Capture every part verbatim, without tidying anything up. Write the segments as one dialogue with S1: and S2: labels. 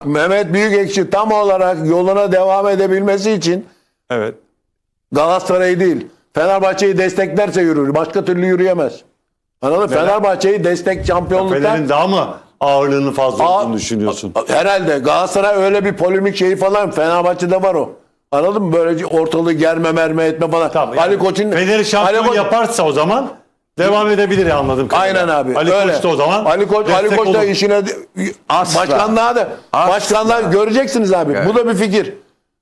S1: Mehmet Büyükekşi tam olarak yoluna devam edebilmesi için
S2: Evet.
S1: Galatasaray'ı değil Fenerbahçe'yi desteklerse yürür. Başka türlü yürüyemez. Anladın mı? Fenerbahçe'yi destek şampiyonluktan
S2: Fener'in daha mı ağırlığını fazla
S1: Aa,
S2: olduğunu düşünüyorsun?
S1: herhalde Galatasaray öyle bir polemik şeyi falan Fenerbahçe'de var o. Anladın mı? Böylece ortalığı germe merme etme falan.
S2: Tamam,
S1: Ali
S2: yani
S1: Koç'un
S2: Fener'i şampiyon
S1: Ali Koç-
S2: yaparsa o zaman devam edebilir ya, anladım kadarıyla.
S1: Aynen abi.
S2: Ali
S1: öyle.
S2: Koç da o zaman
S1: Ali Koç Ali
S2: destek
S1: Koç da
S2: olur.
S1: işine
S3: Asla.
S1: başkanlığa da
S3: Asla.
S1: başkanlığa göreceksiniz abi.
S3: Evet.
S1: Bu da bir fikir.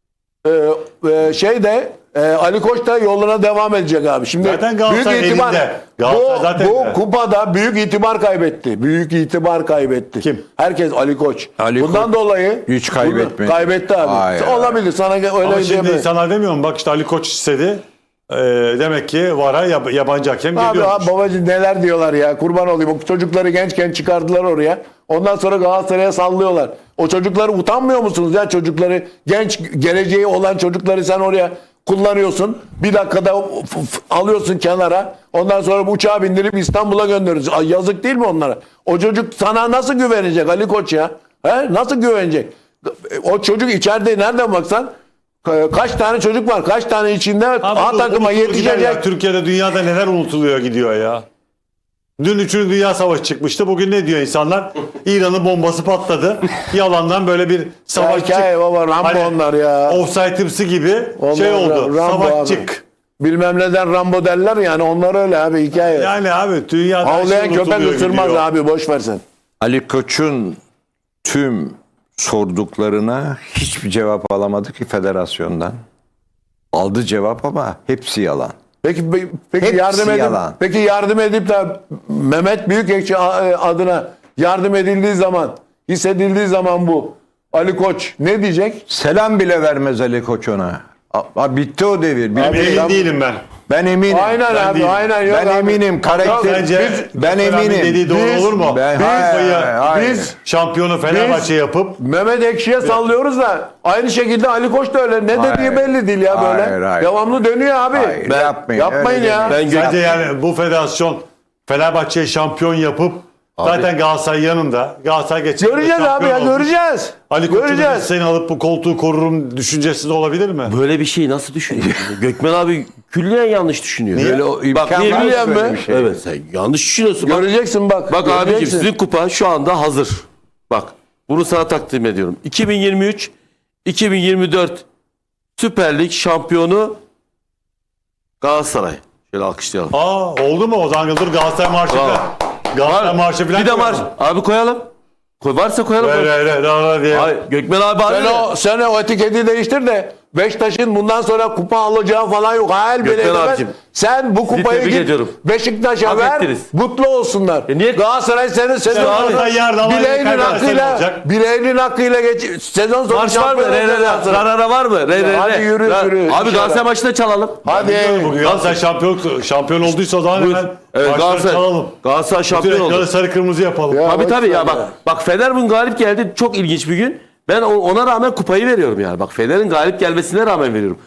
S1: Ee, e, şey de e, Ali Koç da yoluna devam edecek abi. Şimdi
S2: Zaten Galatasaray
S1: büyük itibar
S2: elinde. Galatasaray
S1: bu,
S2: zaten
S1: bu
S2: elinde.
S1: kupada büyük itibar kaybetti. Büyük itibar kaybetti.
S2: Kim?
S1: Herkes Ali Koç.
S3: Ali
S1: Bundan
S3: Koç
S1: dolayı
S3: hiç kaybetmedi.
S1: Bunu kaybetti abi.
S3: Hayır,
S1: Olabilir sana öyle
S2: Ama şimdi
S1: diyemem.
S2: insanlar demiyor mu? Bak işte Ali Koç istedi. Ee, demek ki VAR'a yab- yabancı hakem
S1: Abi,
S2: geliyormuş.
S1: abi babacığım neler diyorlar ya, kurban olayım. O çocukları gençken çıkardılar oraya. Ondan sonra Galatasaray'a sallıyorlar. O çocukları utanmıyor musunuz ya, çocukları genç geleceği olan çocukları sen oraya kullanıyorsun. Bir dakikada f- f- alıyorsun kenara. Ondan sonra bu uçağa bindirip İstanbul'a gönderiyorsun. Ay, yazık değil mi onlara? O çocuk sana nasıl güvenecek Ali Koç ya? He? Nasıl güvenecek? O çocuk içeride nereden baksan kaç tane çocuk var? Kaç tane içinde
S2: Abi
S1: A
S2: dur,
S1: takıma
S2: unutulur gider
S1: yetişecek?
S2: ya. Türkiye'de, dünyada neler unutuluyor gidiyor ya. Dün üçüncü Dünya Savaşı çıkmıştı. Bugün ne diyor insanlar? İran'ın bombası patladı. Yalandan böyle bir savaş
S1: Hikaye baba, Rambo onlar ya.
S2: Offside'ımsı gibi
S1: Onlar
S2: şey oldu.
S1: Rambo
S2: Savaşçık.
S1: abi. Bilmem neden Rambo derler yani, onlar öyle abi, hikaye.
S2: Yani abi dünyada her şey
S1: Havlayan köpek
S2: unutuluyor
S1: ısırmaz
S2: gidiyor.
S1: abi, boş versen.
S3: Ali Koç'un tüm sorduklarına hiçbir cevap alamadı ki federasyondan. Aldı cevap ama hepsi yalan.
S1: Peki pe- peki
S3: Hepsi
S1: yardım edip
S3: yalan.
S1: peki yardım edip de Mehmet Büyükekşi a- adına yardım edildiği zaman, hissedildiği zaman bu Ali Koç ne diyecek?
S3: Selam bile vermez Ali Koç ona. A- a- bitti o devir.
S2: Ben
S3: Bitti.
S2: emin değilim ben.
S3: Ben eminim.
S1: Aynen
S2: ben
S1: abi,
S2: değilim.
S1: aynen. Yok
S3: Ben
S1: abi.
S3: eminim. Karakter-
S2: Bence
S3: ben
S2: Gökmen abinin
S3: eminim.
S2: dediği doğru
S1: Biz-
S2: olur mu?
S3: Ben-
S2: Biz,
S3: hayır,
S2: hayır,
S3: hayır.
S1: Biz
S2: şampiyonu Fenerbahçe yapıp
S1: Mehmet Ekşi'ye sallıyoruz da aynı şekilde Ali Koç da öyle. Ne
S3: Hayır.
S1: dediği belli değil ya böyle.
S3: Hayır, hayır.
S1: Devamlı dönüyor abi.
S3: Hayır,
S1: Ben-
S3: yapmayın,
S1: Yapmayın
S3: öyle
S1: ya.
S3: demeyin.
S4: Ben
S2: bence yani bu federasyon Fenerbahçe'yi şampiyon yapıp zaten Galatasaray yanında. Galatasaray geçecek.
S1: Göreceğiz abi ya, göreceğiz.
S2: Ali Koç'un
S1: göreceğiz.
S2: seni alıp bu koltuğu korurum düşüncesi de olabilir mi?
S4: Böyle bir şeyi nasıl düşünüyor? Gökmen abi külliyen yanlış düşünüyor.
S2: Niye?
S3: Böyle o
S4: Bak
S3: imkan
S4: niye
S3: var mı
S4: biliyor
S3: böyle
S4: musun?
S3: bir şey?
S4: Evet, sen yanlış düşünüyorsun. Bak,
S1: Göreceksin bak.
S4: bak abicim,
S1: göreceksin.
S4: sizin kupa şu anda hazır. Bak bunu sana takdim ediyorum. iki bin yirmi üç iki bin yirmi dört Süper Lig şampiyonu Galatasaray. Şöyle alkışlayalım.
S2: Aa oldu mu? O zaman dur Galatasaray marşı
S4: Bravo.
S2: falan. Galatasaray marşı falan.
S4: Bir de
S2: koyalım.
S4: marş. Abi koyalım. Koy, varsa koyalım.
S2: Öyle öyle öyle öyle diye.
S4: Hayır, Gökmen abi
S1: Sen
S4: abi.
S1: o, sen o etiketi değiştir de Beşiktaş'ın bundan sonra kupa alacağı falan yok. Hayal bile
S4: Gökmen
S1: edemez.
S4: abicim,
S1: Sen bu kupayı
S4: tebrik
S1: git
S4: ediyorum.
S1: Beşiktaş'a
S4: Hak
S1: ver,
S4: ettiniz.
S1: mutlu olsunlar.
S4: E niye-
S1: Galatasaray senin sezon
S2: Galatasaray
S1: sonu
S2: yarın Almanya'yı
S1: bileğinin
S2: kaybederse ne
S1: hakkıyla,
S2: olacak?
S1: bileğinin hakkıyla geç, sezon sonu
S4: Marş var mı?
S1: şampiyon
S4: Re re
S1: olacak
S4: re.
S1: Galatasaray.
S4: Ra ra ra var mı? Re re re.
S1: Hadi yürü,
S4: Ra-
S1: yürü.
S4: Abi
S1: İnşallah.
S4: Galatasaray maçında çalalım.
S1: Hadi.
S2: Bugün Galatasaray şampiyon, şampiyon olduysa o zaman
S4: Buyur.
S2: hemen
S4: Evet,
S2: marşları
S4: Galatasaray,
S2: çalalım.
S4: Galatasaray
S2: Bütün
S4: şampiyon
S2: ekranı
S4: oldu.
S2: sarı kırmızı yapalım.
S1: Ya.
S4: Tabii
S1: boş
S4: tabii
S1: ver
S4: ya
S1: ya.
S4: bak. Bak Fener bugün galip geldi. Çok ilginç bir gün. Ben o- ona rağmen kupayı veriyorum yani. Bak Fener'in galip gelmesine rağmen veriyorum.